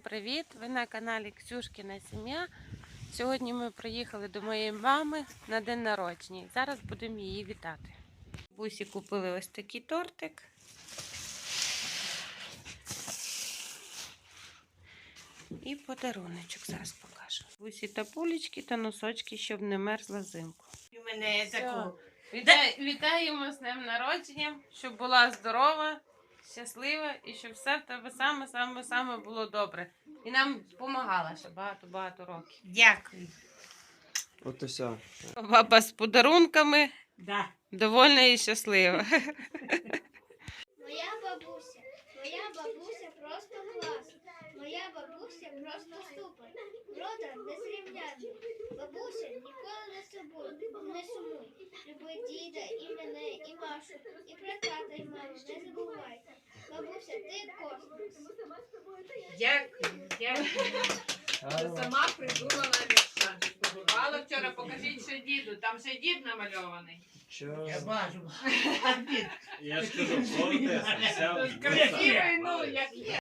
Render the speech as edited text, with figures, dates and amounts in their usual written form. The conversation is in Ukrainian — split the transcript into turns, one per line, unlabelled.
Всім привіт! Ви на каналі Ксюшкіна Сім'я. Сьогодні ми приїхали до моєї мами на день народження. Зараз будемо її вітати. Бусі купили ось такий тортик. І подаруночок зараз покажу. Бусі та пулечки та носочки, щоб не мерзла взимку. Вітаємо з днем народження, щоб була здорова, щаслива і щоб все в тебе саме було добре. І нам допомагала ще багато років.
Дякую.
От усе.
Баба з подарунками,
Да.
довольна і щаслива.
Моя бабуся просто клас. Моя бабуся просто супер. Рода незрівнянний. Бабуся ніколи не сумуй. Люби діда, і мене, і Машу, і про тата, і маму. Не забувай. Бабуся, ти космос.
Дякую. Ти сама придумала вірша. Побувала вчора, покажіть ще діду. Там ще дід намальований.
Чого?
бачу.
Я ж кажу, коротесо,
Красивий, ну, як є.